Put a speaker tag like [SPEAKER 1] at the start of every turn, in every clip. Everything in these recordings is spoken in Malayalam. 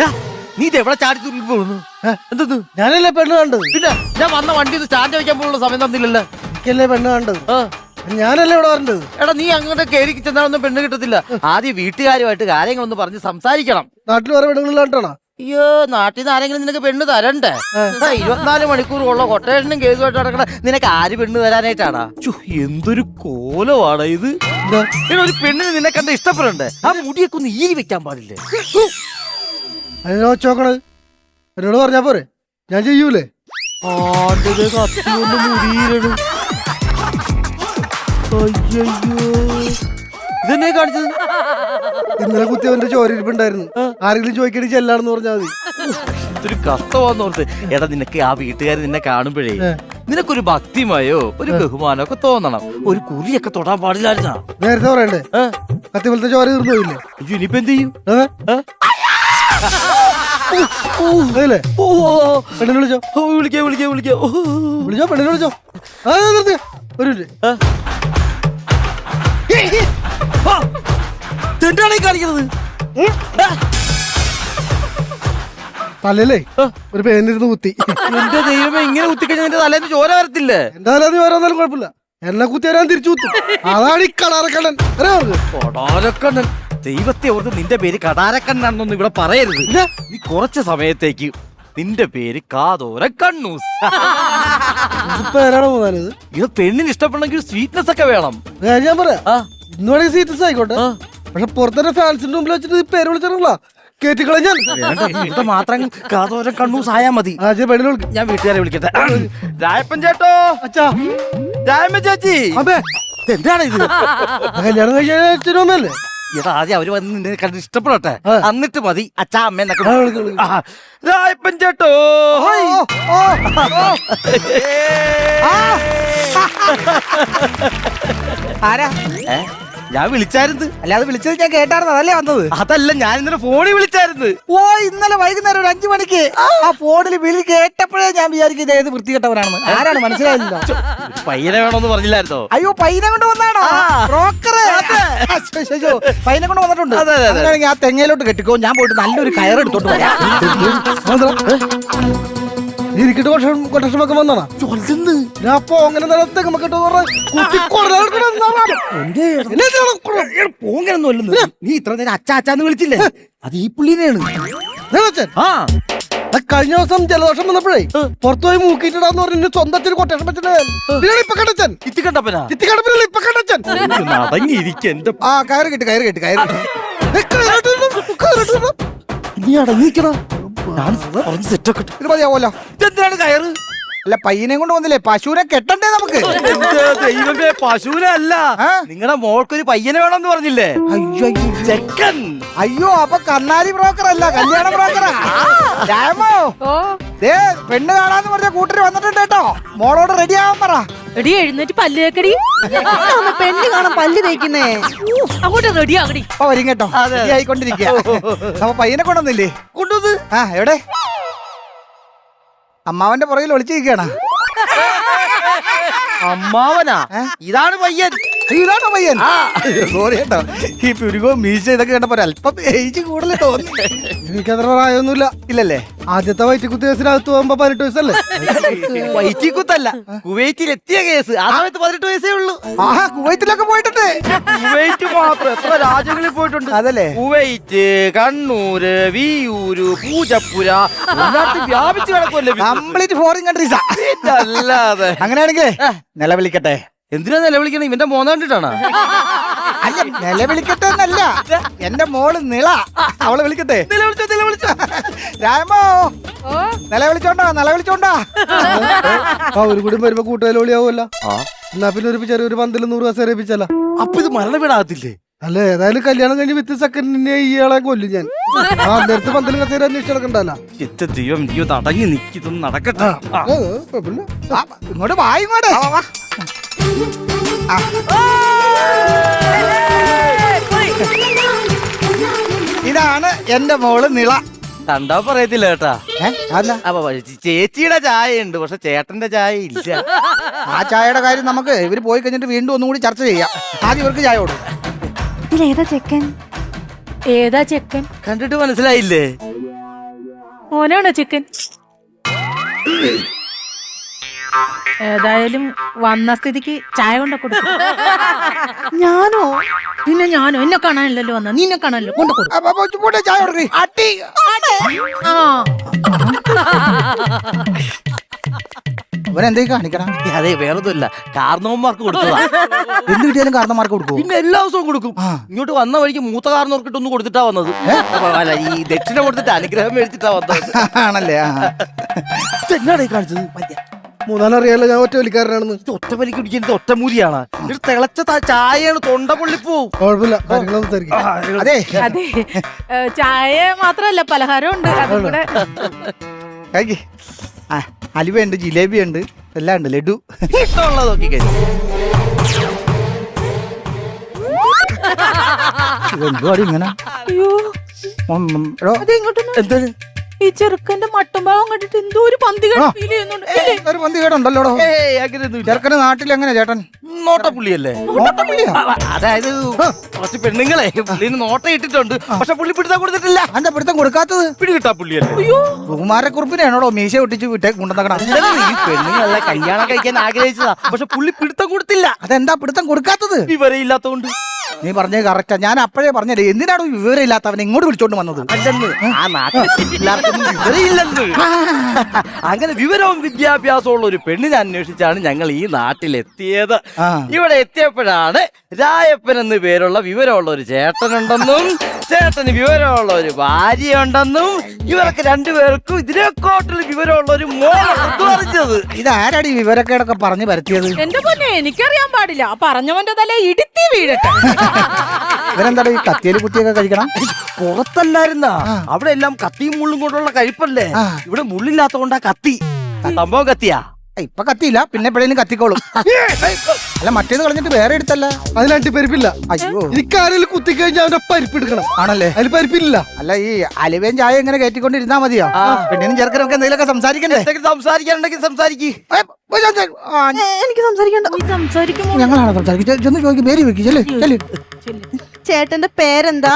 [SPEAKER 1] നീ ഇത് എവിടെ ചാടി തുള്ളി പോകുന്നു? എന്തത്?
[SPEAKER 2] ഞാനല്ലേ പെണ്ണ് കണ്ടത്?
[SPEAKER 1] പിന്നെ ഞാൻ വന്ന വണ്ടി സ്റ്റാൻഡ് വയ്ക്കാൻ പോലുള്ള സമയം തന്നില്ലല്ലോ.
[SPEAKER 2] എനിക്കല്ലേ പെണ്ണ് കണ്ടത്? ഞാനല്ലേ ഇവിടെ വരേണ്ടത്?
[SPEAKER 1] എടാ നീ അങ്ങോട്ട് കയറി ചെന്നാലൊന്നും പെണ്ണ് കിട്ടത്തില്ല. ആദ്യം വീട്ടുകാരുമായിട്ട് കാര്യങ്ങളൊന്ന് പറഞ്ഞ് സംസാരിക്കണം.
[SPEAKER 2] നാട്ടിൽ വേറെ പെണ്ണുങ്ങളിലാണ്ടാണോ?
[SPEAKER 1] അയ്യോ, നാട്ടിൽ നിന്ന് ആരെങ്കിലും നിനക്ക് പെണ്ണ് തരണ്ടേ? 24 മണിക്കൂറുള്ള കൊട്ടേഷനും കേസുമായിട്ട് നടക്കണ നിനക്ക് ആര് പെണ്ണ് തരാനായിട്ടാടാ? എന്തൊരു കോലമാണ് ഇത്. ഒരു പെണ്ണിന് നിന്നെ കണ്ട ഇഷ്ടപ്പെടണ്ടേ? ആ മുടിയൊക്കെ ഒന്ന് ഈരി വെക്കാൻ പാടില്ലേ?
[SPEAKER 2] അതിനെ വെച്ചോക്കണത് എന്നോട് പറഞ്ഞാ പോരെ, ഞാൻ ചെയ്യൂലേ?
[SPEAKER 1] ഇതെന്നെ കാണിച്ചത്?
[SPEAKER 2] ഇന്നലെ കുത്തിയവന്റെ ചോരിരിപ്പുണ്ടായിരുന്നു. ആരെങ്കിലും ചോദിക്കണി ചെല്ലാണെന്ന് പറഞ്ഞാൽ മതി.
[SPEAKER 1] ഇതൊരു കഷ്ടമാന്ന് ഓർത്ത്. എടാ നിനക്ക് ആ വീട്ടുകാർ നിന്നെ കാണുമ്പോഴേ നിനക്കൊരു ഭക്തിമയോ ഒരു ബഹുമാനോ ഒക്കെ തോന്നണം. ഒരു കുറിയൊക്കെ തൊടാൻ പാടില്ലായിരുന്നാ?
[SPEAKER 2] നേരത്തെ പറയണ്ടേ? കത്തിപോലത്തെ ചോര തീർന്നു പോയില്ലേ?
[SPEAKER 1] ഇനിയിപ്പോ എന്ത് ചെയ്യും?
[SPEAKER 2] പെണ്ണിനെ വിളിച്ചോ?
[SPEAKER 1] വിളിക്കാം.
[SPEAKER 2] വിളിച്ചോ, പെണ്ണിനെ വിളിച്ചോ. ഒരു മിനിറ്റ്.
[SPEAKER 1] എന്താണ് ഈ കാണിക്കുന്നത്?
[SPEAKER 2] തലല്ലേ ഒരു പേനിരുന്ന് കുത്തി.
[SPEAKER 1] എന്റെ ദൈവമേ, ഇങ്ങനെ കുത്തിക്കഴിഞ്ഞാൽ നിന്റെ തലേന്ന് ചോര വരത്തില്ലേ?
[SPEAKER 2] എന്താ തലേന്ന് ചോര വന്നാലും കുഴപ്പമില്ല, എന്നെ കുത്തി വരാൻ തിരിച്ചു കുത്തും. അതാണ് ഈ കടാരക്കണ്ണൻ.
[SPEAKER 1] കടാരക്കണ്ണൻ? ദൈവത്തെ ഓർത്ത് നിന്റെ പേര് കടാരക്കണ്ണാണെന്നൊന്നും ഇവിടെ പറയരുത്. നീ കുറച്ച് സമയത്തേക്ക് നിന്റെ പേര് കാതോര കണ്ണൂസ്.
[SPEAKER 2] പേരാണോ പോകാനത്?
[SPEAKER 1] ഇത് പെണ്ണിന് ഇഷ്ടപ്പെടണമെങ്കിൽ സ്വീറ്റ്നെസ് ഒക്കെ വേണം.
[SPEAKER 2] ഞാൻ പറയാം, ഇന്ന് വേണമെങ്കിൽ സ്വീറ്റ്നെസ് ആയിക്കോട്ടെ. പക്ഷെ പുറത്തെ ഫാൻസിന്റെ മുമ്പിൽ വെച്ചിട്ട് പേര് വിളിച്ചിട്ടുള്ള കേറ്റിക്കളഞ്ഞാൽ
[SPEAKER 1] മാത്രം കാതോര കണ്ണൂസ് ആയാ മതി. ഞാൻ വീട്ടുകാരെ വിളിക്കട്ടെ. രായപ്പൻ ചേട്ടോ,
[SPEAKER 2] അച്ഛാ,
[SPEAKER 1] രായമ്മ ചേച്ചി, എന്താണ് ഇത്?
[SPEAKER 2] കല്യാണം കഴിച്ചല്ലേ?
[SPEAKER 1] ഇതാ ആദ്യം അവര് വന്ന് നിന്നെ കണ്ട് ഇഷ്ടപ്പെടട്ടെ, എന്നിട്ട് മതി അച്ഛാ അമ്മേന്നൊക്കെ. രായപ്പൻ ചേട്ടോ,
[SPEAKER 3] ആരാ?
[SPEAKER 1] ഞാൻ വിളിച്ചായിരുന്നു.
[SPEAKER 3] അല്ലാതെ വിളിച്ചത് ഞാൻ കേട്ടായിരുന്നു, അതല്ലേ വന്നത്?
[SPEAKER 1] അതല്ല, ഞാൻ ഇന്നലെ ഫോണിൽ വിളിച്ചായിരുന്നു.
[SPEAKER 3] ഓ, ഇന്നലെ വൈകുന്നേരം ഒരു 5 മണിക്ക് ആ ഫോണിൽ വിളി കേട്ടപ്പോഴേ ഞാൻ വിചാരിക്കും ഇത് ഏത് വൃത്തികെട്ടവനാണെന്ന്. ആരാണ് മനസ്സിലായില്ല.
[SPEAKER 1] പയ്യനെ വേണമെന്ന് പറഞ്ഞില്ലായിരുന്നോ?
[SPEAKER 3] അയ്യോ, പയ്യനെ കൊണ്ട് വന്നാണോ? ബ്രോക്കർ പയ്യനെ കൊണ്ട് വന്നിട്ടുണ്ട്. അങ്ങനെയാണെങ്കിൽ ആ തെങ്ങയിലോട്ട് കെട്ടിക്കോ, ഞാൻ പോയിട്ട് നല്ലൊരു കയറെടുത്തോട്ട് വരാം.
[SPEAKER 2] ഇരിക്കട്ട് കൊട്ടേഷനൊക്കെ വന്നാണോ? അപ്പൊ അങ്ങനെ
[SPEAKER 1] പോങ്ങനൊന്നും. നീ ഇത്ര നേരം അച്ചാന്ന് വിളിച്ചില്ലേ? അത് ഈ പുള്ളിനെയാണ്.
[SPEAKER 2] കഴിഞ്ഞ ദിവസം ജലദോഷം വന്നപ്പോഴേ പുറത്തുപോയി മൂക്കിയിട്ടാന്ന് പറഞ്ഞു സ്വന്തത്തിന് കൊട്ടേഷൻ
[SPEAKER 1] വെച്ചിട്ട്
[SPEAKER 3] ആ കയറ് കെട്ടി
[SPEAKER 1] നീ അടങ്ങിക്കണോ? ഞാൻ സെറ്റൊക്കെ
[SPEAKER 3] മതിയാവല്ലോ.
[SPEAKER 1] ഇതെന്തിനാണ് കയറ്?
[SPEAKER 3] അല്ല, പയ്യനെ കൊണ്ട് വന്നില്ലേ, പശുവിനെ കെട്ടണ്ടേ നമുക്ക്?
[SPEAKER 1] ദൈവമേ, പശുവിനെ അല്ല, നിങ്ങളുടെ മോൾക്കൊരു പയ്യനെ വേണമെന്ന് പറഞ്ഞില്ലേ?
[SPEAKER 3] അയ്യോ
[SPEAKER 1] ചെക്കൻ.
[SPEAKER 3] അയ്യോ, അപ്പൊ കണ്ണാടി ബ്രോക്കർ അല്ല, കല്യാണ ബ്രോക്കറാ. പെണ്ണ് കാണാന്ന് പറഞ്ഞ കൂട്ടര് വന്നിട്ടുണ്ട് കേട്ടോ. മോളോട് റെഡി ആവാൻ പറ.
[SPEAKER 4] റെഡി, എഴുന്നേറ്റ് പല്ല് തേക്കടി.
[SPEAKER 3] പെണ്ണ് കാണാൻ പല്ല് തേക്കുന്നേ.
[SPEAKER 4] അങ്ങോട്ട് റെഡി ആകടി.
[SPEAKER 3] അപ്പൊ വരും കേട്ടോ, ആയിക്കൊണ്ടിരിക്കുക. അപ്പൊ പയ്യനെ കൊണ്ടുവന്നില്ലേ?
[SPEAKER 1] കൊണ്ടുവന്ന്.
[SPEAKER 3] എവിടെ? അമ്മാവന്റെ പുറകിൽ ഒളിച്ചിരിക്കണ.
[SPEAKER 1] അമ്മാവനാ? ഇതാണ് പയ്യൻ.
[SPEAKER 3] ഇതാണോ പയ്യൻ? സോറി കേട്ടോ, ഈ പുരുകോ മീശ ഇതൊക്കെ കണ്ടപ്പോ അല്പം ഏജ് കൂടുതൽ തോന്നി.
[SPEAKER 2] എനിക്കത്ര പ്രായമൊന്നുമില്ല.
[SPEAKER 3] ഇല്ലല്ലേ?
[SPEAKER 2] ആദ്യത്തെ വയറ്റിക്കുത്തി കേസിനകത്ത് പോകുമ്പോ 18 വയസ്സല്ലേ?
[SPEAKER 1] വയറ്റിക്കുത്തല്ല, കുവൈറ്റിൽ എത്തിയ കേസ്. ആ സമയത്ത് 18 വയസ്സേ ഉള്ളൂ.
[SPEAKER 3] കുവൈറ്റിലൊക്കെ പോയിട്ടുണ്ട്.
[SPEAKER 1] കുവൈറ്റ് മാത്രം എത്ര രാജ്യങ്ങളിൽ പോയിട്ടുണ്ട്.
[SPEAKER 3] അതല്ലേ?
[SPEAKER 1] കുവൈറ്റ്, കണ്ണൂര്, വിയൂര്, പൂജപ്പുര, വ്യാപിച്ചു കിടക്കുമല്ലേ.
[SPEAKER 3] Complete foreign കൺട്രീസാ.
[SPEAKER 1] അല്ലാതെ.
[SPEAKER 3] അങ്ങനെയാണെങ്കിലേ നിലവിളിക്കട്ടെ.
[SPEAKER 1] എന്തിനാ നിലവിളിക്കണം? ഇവന്റെ മോനെ കണ്ടിട്ടാണ്.
[SPEAKER 3] അല്ല, നിലവിളിക്കട്ടെ എന്നല്ല, എന്റെ മോള് നിള, അവളെ വിളിക്കട്ടെ.
[SPEAKER 1] നിലവിളിച്ചോ.
[SPEAKER 3] രാമോ, നിലവിളിച്ചോണ്ടാ.
[SPEAKER 2] ഒരു കൂടി വരുമ്പോ കൂട്ടുകാരിയാവുമല്ലോ. എന്നാ പിന്നെ ഒരു ചെറിയൊരു 100 കസേര ഏൽപ്പിച്ചല്ല.
[SPEAKER 1] അപ്പൊ ഇത് മരണവീടാകത്തില്ലേ?
[SPEAKER 2] അല്ല, ഏതായാലും കല്യാണം കഴിഞ്ഞ് വിത്ത് സെക്കൻഡിനെ ഇയാളെ കൊല്ലും ഞാൻ. നേരത്തെ 100 കസേര അന്വേഷിച്ച് നടക്കണ്ടല്ലോ.
[SPEAKER 1] ദൈവം, നീ അടങ്ങി നിൽക്കിതൊന്നും നടക്കട്ടെ.
[SPEAKER 3] ഇങ്ങോട്ട് വായിങ്ങോട്ടെ. ഇതാണ് എന്റെ മോള് നിള.
[SPEAKER 1] കണ്ടാ പറയത്തില്ല കേട്ടാ. ചേച്ചിയുടെ ചായ ഉണ്ട്, പക്ഷെ ചേട്ടന്റെ ചായ ഇല്ല.
[SPEAKER 3] ആ ചായയുടെ കാര്യം നമുക്ക് ഇവര് പോയി കഴിഞ്ഞിട്ട് വീണ്ടും ഒന്നും കൂടി ചർച്ച ചെയ്യാം. ആദ്യം ഇവർക്ക് ചായ കൊടുക്കും.
[SPEAKER 4] ഏതാ ചെക്കൻ?
[SPEAKER 1] കണ്ടിട്ട് മനസ്സിലായില്ലേ?
[SPEAKER 4] മോനാണോ ചിക്കൻ? ഏതായാലും വന്ന സ്ഥിതിക്ക് ചായ കൊണ്ട കൊടുക്കും.
[SPEAKER 3] ഞാനോ?
[SPEAKER 4] പിന്നെ ഞാനോ? എന്നെ കാണാനല്ലോ വന്ന, നിന്നെ കാണാനല്ലോ കൊണ്ട കൊടുക്കും.
[SPEAKER 3] ചായ കൊടുക്ക്. അട്ടി.
[SPEAKER 4] ആ
[SPEAKER 3] ഇവരെന്തേ കാണിക്കണം?
[SPEAKER 1] അതെ, വേറൊന്നുമില്ല, കാരണവന്മാർക്ക് കൊടുത്തതാ.
[SPEAKER 3] എന്ത് കിട്ടിയാലും കാരണന്മാർക്ക് കൊടുക്കും.
[SPEAKER 1] പിന്നെ എല്ലാ ദിവസവും കൊടുക്കും. ഇങ്ങോട്ട് വന്ന വഴിക്ക് മൂത്ത കാരണവർക്കിട്ടൊന്ന് കൊടുത്തിട്ടാ വന്നത്. അല്ല, ഈ ദക്ഷിണ കൊടുത്തിട്ട് അനുഗ്രഹം മേടിച്ചിട്ടാ വന്നത്.
[SPEAKER 3] ആണല്ലേ?
[SPEAKER 1] എന്നാണ് ഈ കാണിച്ചത്?
[SPEAKER 2] മൂന്നാലറിയാലോ ഞാൻ ഒറ്റ വലിക്കാരനാണെന്ന്.
[SPEAKER 1] ഇത് ഒറ്റ വലിക്ക് കുടിക്കുന്നത് ഒറ്റമൂലിയാണ്. ഇത് തിളച്ച ചായയാണ്, തൊണ്ട പൊള്ളിപ്പോവും.
[SPEAKER 2] കുഴപ്പമില്ല, കാര്യങ്ങൾ സംസാരിക്കാം.
[SPEAKER 3] അതെ
[SPEAKER 4] അതെ, ചായ മാത്രല്ല പലഹാരം ഉണ്ട്. അതും കൂടെ
[SPEAKER 3] കഴിക്ക്. അലുവ ഉണ്ട്, ജിലേബി ഉണ്ട്, എല്ലാം ഉണ്ട്, ലഡു.
[SPEAKER 1] ഇഷ്ടമുള്ളത് നോക്കി കഴിഞ്ഞു.
[SPEAKER 3] എന്തുവാടി ഇങ്ങനെ?
[SPEAKER 4] അയ്യോ,
[SPEAKER 3] എടോ,
[SPEAKER 4] അത് ഇങ്ങോട്ടൊന്ന്.
[SPEAKER 1] എന്താണ്?
[SPEAKER 4] ഈ ചെറുക്കന്റെ മട്ടും ഭാവം കണ്ടിട്ട് എന്തോ ഒരു പന്തി ഫീൽ ചെയ്യുന്നുണ്ട്.
[SPEAKER 3] ഒരു പന്തി കേടുണ്ടല്ലോ.
[SPEAKER 1] ഏയ്, അങ്ങനെയൊന്നുമില്ല.
[SPEAKER 3] ചെറുക്കന് നാട്ടിൽ എങ്ങനെ ചേട്ടൻ?
[SPEAKER 1] നോട്ടപ്പുള്ളിയല്ലേ?
[SPEAKER 3] നോട്ടപ്പുള്ളിയാ?
[SPEAKER 1] അതായത് കുറച്ച് പെണ്ണുങ്ങളെ പുള്ളിന് നോട്ട ഇട്ടിട്ടുണ്ട്, പക്ഷെ പുള്ളി പിടുത്താൻ കൊടുത്തിട്ടില്ല.
[SPEAKER 3] എന്താ പിടുത്തം കൊടുക്കാത്തത്?
[SPEAKER 1] പിടികിട്ടാ പുള്ളിയല്ലേ?
[SPEAKER 3] കുമാരക്കുറുപ്പിനെയാണോടോ മീശ ഒട്ടിച്ച് വിട്ടേ കൊണ്ടുവന്നേക്കണം?
[SPEAKER 1] ഈ പെണ്ണുങ്ങളെ കല്യാണം കഴിക്കാൻ ആഗ്രഹിച്ചതാ, പക്ഷെ പുള്ളി പിടുത്തം കൊടുത്തില്ല.
[SPEAKER 3] അതെന്താ പിടുത്തം കൊടുക്കാത്തത്?
[SPEAKER 1] വിവരയില്ലാത്തോണ്ട്.
[SPEAKER 3] നീ പറഞ്ഞത് കറക്റ്റാ. ഞാൻ അപ്പോഴേ പറഞ്ഞല്ലേ, എന്തിനാണോ വിവരം ഇല്ലാത്തവൻ ഇങ്ങോട്ട് വിളിച്ചോണ്ട് വന്നത്?
[SPEAKER 1] അല്ലെന്ന്, ആ നാട്ടിൽ എല്ലാവർക്കും വിവരയില്ലെന്ന്. അങ്ങനെ വിവരവും വിദ്യാഭ്യാസവും ഉള്ള ഒരു പെണ്ണിനെ അന്വേഷിച്ചാണ് ഞങ്ങൾ ഈ നാട്ടിലെത്തിയത്. ഇവിടെ എത്തിയപ്പോഴാണ് രായപ്പൻ എന്ന് പേരുള്ള വിവരമുള്ള ഒരു ചേട്ടനുണ്ടെന്നും ചേട്ടന് വിവരമുള്ള ഒരു ഭാര്യയുണ്ടെന്നും ഇവർക്ക് രണ്ടുപേർക്കും ഇതിനെക്കാട്ടിൽ വിവരമുള്ള ഒരു മോളുണ്ടെന്നും അറിഞ്ഞത്.
[SPEAKER 3] ഇതാരാടി വിവരക്കേടൊക്കെ പറഞ്ഞു പരത്തിയത്?
[SPEAKER 4] എന്റെ പൊന്നെ, എനിക്കറിയാൻ പാടില്ല. പറഞ്ഞവന്റെ തല ഇടുത്തി വീഴട്ടെ.
[SPEAKER 3] ഇവരെന്താ ഈ കത്തിയേല് കുത്തിയൊക്കെ കഴിക്കണം?
[SPEAKER 1] പുറത്തല്ലായിരുന്ന അവിടെ എല്ലാം കത്തിയും മുള്ളും കൊണ്ടുള്ള കഴിപ്പല്ലേ. ഇവിടെ മുള്ളില്ലാത്തോണ്ടാ കത്തി. സംഭവം കത്തിയാ.
[SPEAKER 3] ഇപ്പൊ കത്തിയില്ല, പിന്നെ എപ്പോഴേലും കത്തിക്കോളും. അല്ല, മറ്റേത് കളഞ്ഞിട്ട് വേറെ എടുത്തല്ല.
[SPEAKER 2] അതിൽ അണ്ടിപ്പരിപ്പില്ല.
[SPEAKER 3] അയ്യോ,
[SPEAKER 2] എനിക്കാരെങ്കിലും കുത്തിക്കഴിഞ്ഞാൽ അവന്റെ പരിപ്പ് എടുക്കണം.
[SPEAKER 3] ആണല്ലേ?
[SPEAKER 2] അതിൽ പരിപ്പില്ല.
[SPEAKER 3] അല്ല, ഈ അലുവയും ചായ ഇങ്ങനെ കയറ്റിക്കൊണ്ടിരുന്നാ മതിയോ? പെണ്ണിനും ചെറുക്കനൊക്കെ എന്തെങ്കിലുമൊക്കെ സംസാരിക്കണ്ടേ?
[SPEAKER 1] സംസാരിക്കാനുണ്ടെങ്കിൽ സംസാരിക്കും.
[SPEAKER 4] എനിക്ക് സംസാരിക്കണ്ട. നീ സംസാരിക്കുമോ?
[SPEAKER 3] ഞങ്ങളാണ് സംസാരിക്കും. ചെന്ന് ചോദിക്കും, പേര് വെക്കും. ചെല്ല്.
[SPEAKER 5] ചേട്ടന്റെ പേരെന്താ?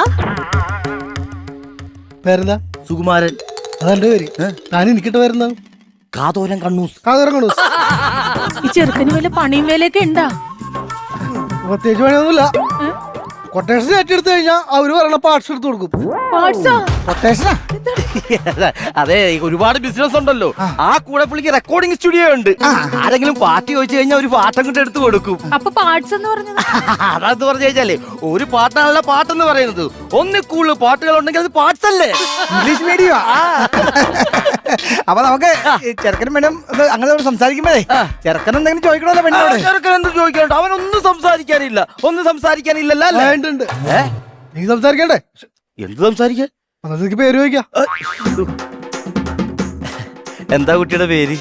[SPEAKER 2] പേരെന്താ?
[SPEAKER 1] സുകുമാരൻ.
[SPEAKER 2] അതെന്റെ പേര്. താൻ എനിക്കിട്ട് വരുന്ന
[SPEAKER 1] കാതോരം കണ്ണൂസ്.
[SPEAKER 2] കാതോരങ്ങണു.
[SPEAKER 4] ഈ ചെറുക്കന് വല്ല പണിയും വേലയൊക്കെ ഉണ്ടാ?
[SPEAKER 2] പ്രത്യേകിച്ച് പണിയൊന്നുമില്ല. കൊട്ടേഷൻ ഏറ്റെടുത്ത് കഴിഞ്ഞാൽ അവര് പറയണ പാർട്സ് എടുത്ത് കൊടുക്കും.
[SPEAKER 3] കൊട്ടേഷനാ?
[SPEAKER 1] അതെ, ഒരുപാട് ബിസിനസ് ഉണ്ടല്ലോ. ആ കൂടെ പുള്ളിക്ക് റെക്കോർഡിംഗ് സ്റ്റുഡിയോ ഉണ്ട്. ആരെങ്കിലും പാട്ട് ചോദിച്ചു കഴിഞ്ഞാൽ ഒരു പാട്ടം കൊണ്ട് എടുത്ത് കൊടുക്കും.
[SPEAKER 4] അപ്പൊ പാർട്സ് എന്ന് പറഞ്ഞത്?
[SPEAKER 1] അതാന്ന് പറഞ്ഞു കഴിഞ്ഞാലേ, ഒരു പാട്ടാണല്ല പാട്ടെന്ന് പറയുന്നത്. ഒന്നിൽ കൂടുതൽ പാട്ടുകൾ ഉണ്ടെങ്കിൽ അത് പാർട്സ് അല്ലേ?
[SPEAKER 3] English medium. അപ്പൊ നമുക്ക് ചെറുക്കനും പെണ്ണും അങ്ങനെ സംസാരിക്കുമ്പോഴേ ചെറുക്കൻ എന്തെങ്കിലും ചോദിക്കണല്ലോ പെണ്ണോട്?
[SPEAKER 1] ചെറുക്കൻ എന്ത് ചോദിക്കണ്ട, അവനൊന്നും സംസാരിക്കാനില്ല. ഒന്നും സംസാരിക്കാനില്ലല്ലോ.
[SPEAKER 2] നീ സംസാരിക്കണ്ടേ?
[SPEAKER 1] എന്ത് സംസാരിക്കാൻ?
[SPEAKER 2] എനിക്ക് പേര് ചോദിക്കാം.
[SPEAKER 1] എന്താ കുട്ടിയുടെ പേര്?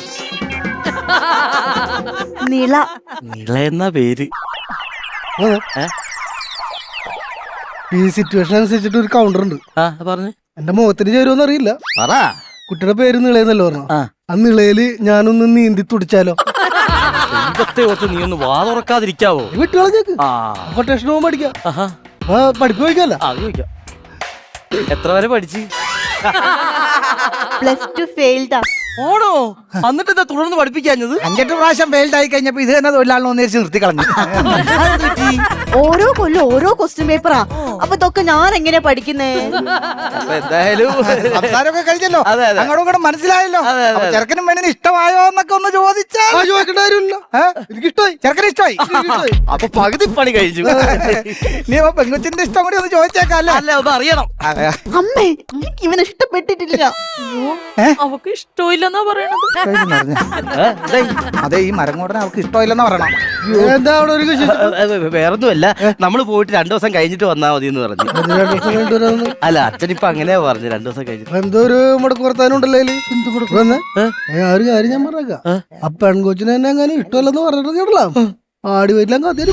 [SPEAKER 5] നിള.
[SPEAKER 1] നിള എന്നാ പേര്.
[SPEAKER 2] ഈ സിറ്റുവേഷൻ അനുസരിച്ചിട്ട് ഒരു കൗണ്ടർ ഉണ്ട്.
[SPEAKER 1] പറഞ്ഞു.
[SPEAKER 2] എന്റെ മുഖത്തിന് ചേരുമെന്ന് അറിയില്ല.
[SPEAKER 1] പറ.
[SPEAKER 2] കുട്ടിയുടെ പേര് നിളയെന്നല്ലോ പറഞ്ഞു. ആ നിളയില് ഞാനൊന്ന് നീന്തി തുടിച്ചാലോ?
[SPEAKER 1] നീ ഒന്ന് വാതുറക്കാതിരിക്കാവോ?
[SPEAKER 2] വിട്ടുകളഞ്ഞേക്ക്. കൊട്ടേഷൻ പോകുമ്പോ പഠിക്കാം. പഠിപ്പ് ചോദിക്കാല്ല.
[SPEAKER 1] ചോദിക്കാം. എത്ര വരെ പഠിച്ച്?
[SPEAKER 5] +2 ഫെയിൽഡാ.
[SPEAKER 1] ഓണോ? എന്നിട്ട് എന്താ തുടർന്ന് പഠിപ്പിക്കാഞ്ഞത്?
[SPEAKER 3] 5-8 പ്രാവശ്യം ഫെയിൽഡ് ആയി കഴിഞ്ഞപ്പോ ഇത് തന്നെ തൊഴിലാളിനെ ഒന്നിച്ച് നിർത്തി കളഞ്ഞു.
[SPEAKER 5] ഓരോ കൊല്ലം ഓരോ ക്വസ്റ്റ്യൻ പേപ്പറാ. അപ്പൊ ഇതൊക്കെ ഞാൻ എങ്ങനെ പഠിക്കുന്നേ?
[SPEAKER 1] എന്തായാലും
[SPEAKER 3] സംസാരമൊക്കെ കഴിഞ്ഞല്ലോ, അങ്ങോട്ടും കൂടെ മനസ്സിലായല്ലോ. ചെറുക്കനും പെണ്ണിന് ഇഷ്ടമായോ എന്നൊക്കെ ഒന്ന് ചോദിച്ചാൽ
[SPEAKER 2] ചോദിക്കേണ്ട കാര്യമില്ല. എനിക്ക് ഇഷ്ടമായി.
[SPEAKER 3] ചെറുക്കന് ഇഷ്ടമായി.
[SPEAKER 1] അപ്പൊ പകുതി പണി കഴിഞ്ഞു.
[SPEAKER 3] നീ പെൺകുച്ചിന്റെ ഇഷ്ടം കൂടി ഒന്ന് ചോദിച്ചേക്കല്ലേ?
[SPEAKER 1] അല്ല, ഒന്ന് അറിയണം.
[SPEAKER 5] അമ്മേ, എനിക്ക് ഇവനെ ഇഷ്ടപ്പെട്ടിട്ടില്ല.
[SPEAKER 4] അവക്ക് ഇഷ്ടമില്ലെന്നാ പറയണത്.
[SPEAKER 3] അതെ, ഈ മരങ്ങോടനെ അവർക്ക് ഇഷ്ടമില്ലെന്നാ പറയണം.
[SPEAKER 2] എന്താ അവിടെ ഒരു
[SPEAKER 1] വേറൊന്നുമല്ല, നമ്മള് പോയിട്ട് 2 ദിവസം കഴിഞ്ഞിട്ട് വന്നാ മതി എന്ന് പറഞ്ഞു. അല്ല, അച്ഛനിപ്പൊ അങ്ങനെയാ പറഞ്ഞു, 2 ദിവസം കഴിഞ്ഞിട്ട്.
[SPEAKER 2] എന്തോ ഒരു മുടക്ക് വർത്താനുണ്ടല്ലോ. എന്ത് മുടക്ക് വന്നേ? ഒരു കാര്യം ഞാൻ പറഞ്ഞേക്കാം. ആ പെൺകൊച്ചിനെ തന്നെ അങ്ങനെ ഇഷ്ടമല്ലെന്ന് പറഞ്ഞിട്ട് കേട്ടല്ലോ. ആടി വരില്ല അതൊരു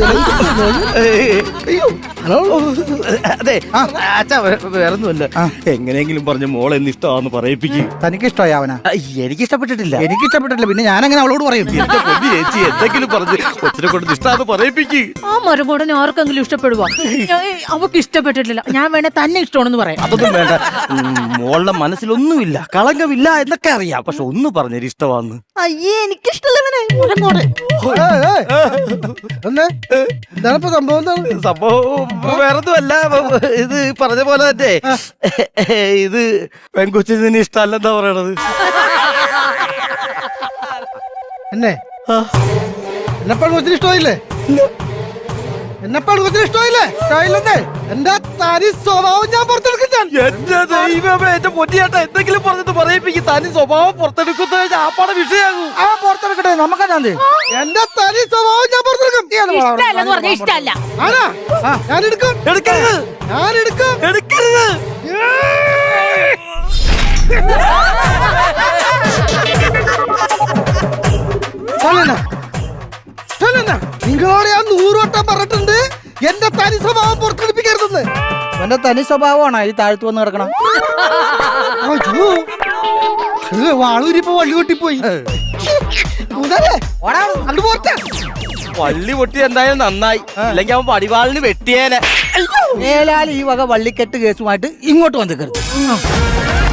[SPEAKER 2] അയ്യോ ഹലോ
[SPEAKER 1] അതെ അച്ഛാ വേറൊന്നുമല്ല എങ്ങനെയെങ്കിലും പറഞ്ഞ മോളെ എന്ന് ഇഷ്ടമാന്ന് പറയിപ്പിക്കും.
[SPEAKER 3] തനിക്ക് ഇഷ്ടമായി അവനാ?
[SPEAKER 1] എനിക്ക് ഇഷ്ടപ്പെട്ടിട്ടില്ല.
[SPEAKER 3] എനിക്ക് ഇഷ്ടപ്പെട്ടില്ല, പിന്നെ ഞാൻ അങ്ങനെ അവളോട് പറയും?
[SPEAKER 1] എന്റെ പൊന്നു ചേച്ചി എന്തെങ്കിലും പറഞ്ഞ് കൊച്ചിനെ കൊണ്ട് ഇഷ്ടമാന്ന് പറയിപ്പിക്ക്.
[SPEAKER 4] ആ മരുമോടനെ ആർക്കെങ്കിലും ഇഷ്ടപ്പെടുവാ? അവക്ക് ഇഷ്ടപ്പെട്ടിട്ടില്ല, ഞാൻ വേണേ തന്നെ ഇഷ്ടമാണെന്ന് പറയാം.
[SPEAKER 1] അതൊന്നും വേണ്ട. മോളുടെ മനസ്സിലൊന്നുമില്ല, കളങ്കമില്ല എന്നൊക്കെ അറിയാം. പക്ഷെ ഒന്ന് പറഞ്ഞൊരു ഇഷ്ടമാന്ന്.
[SPEAKER 5] അയ്യേ എനിക്കിഷ്ടമുള്ളവനെ
[SPEAKER 2] എന്നേ എന്താണ് ഇപ്പൊ സംഭവം? എന്താണ്
[SPEAKER 1] സംഭവം? വേറൊന്നുമല്ല, ഇത് പറഞ്ഞ പോലെ തന്നെ ഇത് പെൺകൊച്ചിന് നിന്നെ ഇഷ്ടമല്ലെന്താ പറയണത്.
[SPEAKER 2] എന്നെ എന്നെപ്പാട് കൊച്ചിന് ഇഷ്ടമായില്ലേ? എന്നെപ്പാട് കൊച്ചിന് ഇഷ്ടമായില്ലേ? ഇഷ്ടമായില്ലെന്നേ എന്റെ തനി സ്വഭാവം ഞാൻ പുറത്തെടുക്കും. ഞാൻ
[SPEAKER 1] എന്റെ ദൈവമേ, എന്റെ പൊന്നിയേട്ടാ എന്തെങ്കിലും പറഞ്ഞിട്ട് പറയിപ്പിക്കും. തനി സ്വഭാവം പുറത്തെടുക്കുന്ന ആപ്പാടെ വിഷയാകും.
[SPEAKER 3] ആ പുറത്തെടുക്കട്ടെ, നമുക്കെന്താ?
[SPEAKER 2] എന്റെ തനി സ്വഭാവം ഞാൻ പുറത്തെടുക്കും.
[SPEAKER 4] ഇഷ്ടമല്ലെന്ന് പറഞ്ഞ ഇഷ്ടമല്ല.
[SPEAKER 2] ആരാ? ഞാൻ എടുക്കും.
[SPEAKER 1] എടുക്കരുത്,
[SPEAKER 2] ഞാൻ എടുക്കും.
[SPEAKER 1] എടുക്കരുത്.
[SPEAKER 2] നിങ്ങളോട് ഞാൻ 100 വട്ടം പറഞ്ഞിട്ടുണ്ട് എന്റെ തനി സ്വഭാവം പുറത്തെടുപ്പിക്കരുതെന്ന്.
[SPEAKER 3] അവന്റെ തനി സ്വഭാവമാണ് ഈ താഴ്ത്തു വന്ന് കിടക്കണം.
[SPEAKER 2] വാളൂരിപ്പോ വള്ളി കൊട്ടിപ്പോയി.
[SPEAKER 1] വള്ളി പൊട്ടി എന്തായാലും നന്നായി, അല്ലെങ്കിൽ അവൻ പടിവാളിന് വെട്ടിയേനെ.
[SPEAKER 3] മേലാൽ ഈ വക വള്ളിക്കെട്ട് കേസുമായിട്ട് ഇങ്ങോട്ട് വന്നിക്കരുത്.